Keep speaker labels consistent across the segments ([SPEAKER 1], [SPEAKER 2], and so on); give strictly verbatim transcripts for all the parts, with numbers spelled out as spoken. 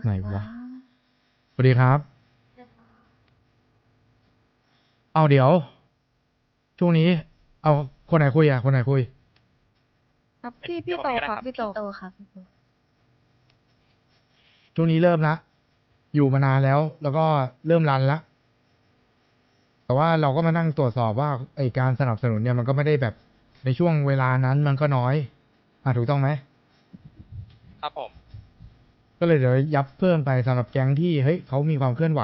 [SPEAKER 1] ไหนวะสวัสดีครับเอาเดี๋ยวช่วงนี้เอาคนไหนคุยอ่ะคนไหนคุย
[SPEAKER 2] ครับพี่พี่โตครับพี่โต
[SPEAKER 3] โตค่ะพี่โต
[SPEAKER 1] ช่วงนี้เริ่มละอยู่มานานแล้ว แล้วก็เริ่มรันละแต่ว่าเราก็มานั่งตรวจสอบว่าไอการสนับสนุนเนี่ยมันก็ไม่ได้แบบในช่วงเวลานั้นมันก็น้อยอ่ะถูกต้องไหม
[SPEAKER 4] ครับผม
[SPEAKER 1] ก็เลยเดี๋ยวยับเพิ่มไปสำหรับแก๊งที่เฮ้ยเขามีความเคลื่อนไหว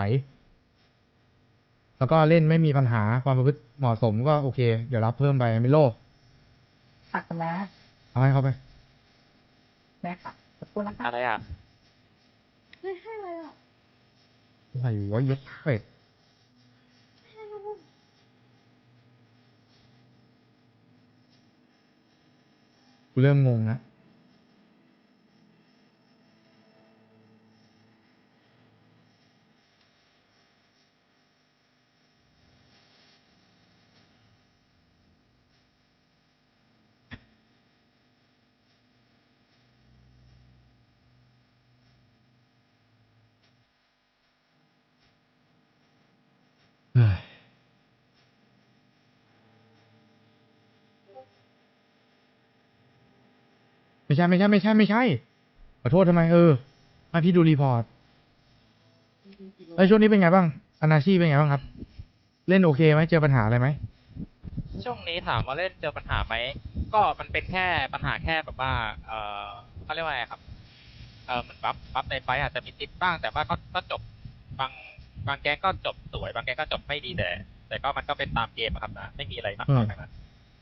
[SPEAKER 1] แล้วก็เล่นไม่มีปัญหาความประพฤติเหมาะสมก็โอเคเดี๋ยวรับเพิ่มไปไม่โลภ
[SPEAKER 5] ผักนะ
[SPEAKER 1] เอาให้เขาไป
[SPEAKER 5] แม่ค่ะขอบคุณนะคะ
[SPEAKER 4] อะไรอ่ะ
[SPEAKER 2] ไม่ให้เลยอ่ะ
[SPEAKER 1] อะไรวะเย็ดเป็ดกูเริ่มงงนะเฮ้ยไม่ใช่ไม่ใช่ไม่ใช่ไม่ใช่ขอโทษทำไมเออมาพี่ดูรีพอร์ตไอ้ยช่วงนี้เป็นไงบ้างอนาชีเป็นไงบ้างครับ เล่นโอเคไหมเจอปัญหาอะไรไหม
[SPEAKER 4] ช่วงนี้ถามว่าเล่นเจอปัญหาไหม ก็มันเป็นแค่ปัญหาแค่แบบว่า เออเขาเรียกว่าอะไรครับ เออมันบัฟบัฟในไฟต์อาจจะมีติดบ้าง แต่ว่าก็ก็จบบางบางแก๊งก็จบสวย บางแก๊งก็จบไม่ดีแต่ แต่ก็มันก็เป็นตามเกมอะครับนะ ไม่มีอะไรมากมายนะ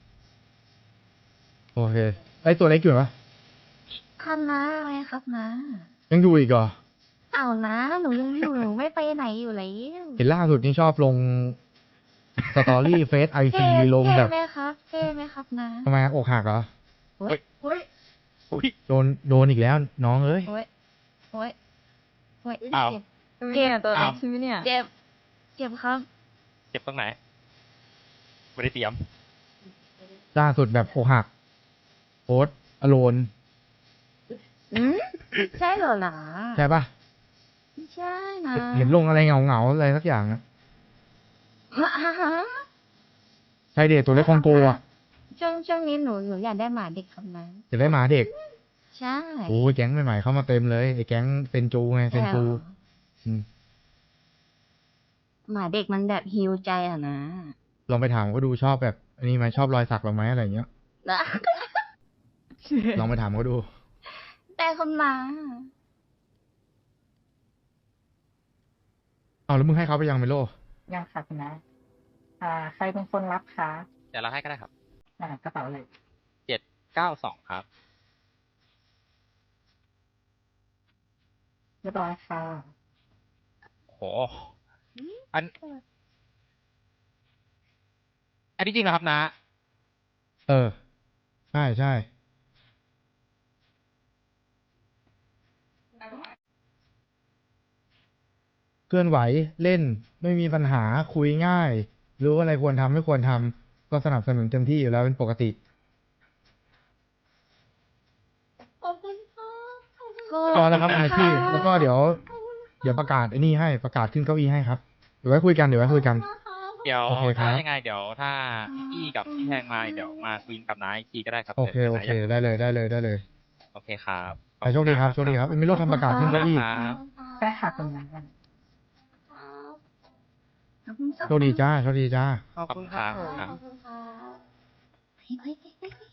[SPEAKER 1] โอเคไอ้ตัวเล็กอยู่ปะ
[SPEAKER 3] ครับนะอะไรครับนะ
[SPEAKER 1] ยังอยู่อีกเหรอ
[SPEAKER 3] เอานะหนูยังอยู่หนูไม่ไปไหนอยู่เลย
[SPEAKER 1] เห็นล่าสุดนี่ชอบลงสตอรี่เฟซไอ
[SPEAKER 3] เท่
[SPEAKER 1] ซีลง
[SPEAKER 3] เท่
[SPEAKER 1] แบบ
[SPEAKER 3] ไหมครับเท่ไหมครับนะ
[SPEAKER 1] ทำไมอกหักเหรอ
[SPEAKER 3] โอ้ยโอ้ย
[SPEAKER 4] อุ้ย
[SPEAKER 1] โดนโดนอีกแล้วน้องเอ้ย
[SPEAKER 3] โอ้ยโอ้ยโอ้ย
[SPEAKER 4] อ้าว
[SPEAKER 3] เจ็บ
[SPEAKER 2] เจ็บตัว
[SPEAKER 4] อ้าว
[SPEAKER 2] ใช่ไหมเนี่ย
[SPEAKER 3] เจ็บเจ็บครับ
[SPEAKER 4] เจ็บตรงไหน ไม่ได้เตรียม
[SPEAKER 1] ล่าสุดแบบอกหักโพสอโลน
[SPEAKER 3] อืมใช่เหรอหนา
[SPEAKER 1] ใช่ปะ
[SPEAKER 3] ไม่ใช่นะ
[SPEAKER 1] เห็นลงอะไรเงาเงาๆอะไรสักอย่างอะ
[SPEAKER 3] ฮะฮะ
[SPEAKER 1] ใช่เด็กตัวเล็กคองโกอ่ะ
[SPEAKER 3] ช่วงช่วงนี้หนูหนูอยากได้หมาเด็กครับนะ
[SPEAKER 1] จะได้หมาเด็ก
[SPEAKER 3] ใช่
[SPEAKER 1] โอ้ยแก๊งใหม่ๆเข้ามาเต็มเลยไอ้แก๊งเซนจูไงเซน
[SPEAKER 3] แต่
[SPEAKER 1] จูอืม
[SPEAKER 3] หมาเด็กมันแบบฮิวใจอะนะ
[SPEAKER 1] ลองไปถามเขาดูชอบแบบอันนี้ไหมชอบรอยสักเราไหมอะไรอย่างเงี้ย
[SPEAKER 3] นะ
[SPEAKER 1] ลองไปถามเขาดู
[SPEAKER 3] แต่คนมา
[SPEAKER 1] เอาแล้วมึงให้เขาไปยังเมโล
[SPEAKER 5] ยังค่ะคุณนะ อ่า ใครเป็นคนรับคะ
[SPEAKER 4] เดี๋ยวเราให้ก็ได้ครับ
[SPEAKER 5] อ่ากระเป๋าเลย
[SPEAKER 4] เจ็ดเก้าสองครับ
[SPEAKER 5] เรียบร้อยค่ะ
[SPEAKER 4] โห อัน อันนี้จริงเหรอครับนะ
[SPEAKER 1] เออ ใช่ใช่เคลื่อนไหวเล่นไม่มีปัญหาคุยง่าย รู้อะไรควรทำไม่ควรทำก็สนับสนุนเต็มที่อยู่แล้วเป็นปกติ
[SPEAKER 3] ขอบคุณค่ะ
[SPEAKER 1] ก็แล้วครับอาชีพแล้วก็เดี๋ยว เดี๋ยวประกาศไอ้นี่ให้ประกาศขึ้นเก้าอี้ให้ครับเดี๋ยวไว้คุยกันเดี๋ยวไว้คุยกัน
[SPEAKER 4] เดี๋ยว
[SPEAKER 1] โอเคครับ
[SPEAKER 4] ถ้ายังไงเดี๋ยวถ้าพี่กับพี่แทงมาเดี๋ยวมาคุยกับน้าอีกทีก็ได้ครับ
[SPEAKER 1] โอเคโอเคได้เลยได้เลยได้เลย
[SPEAKER 4] โอเคครับ
[SPEAKER 1] ไปโชคดีครับโชคดีครับไม่รถทำประกาศขึ้นเก้าอี้
[SPEAKER 4] ครับ
[SPEAKER 5] ได้ค่ะคุณนะ
[SPEAKER 3] ขอบคุณครับ
[SPEAKER 1] โชคดีจ้าโชคดีจ้า
[SPEAKER 4] ขอบคุณครับ
[SPEAKER 3] ขอบคุณครับเฮ้ยเฮ้ยเฮ้ยเฮ้ย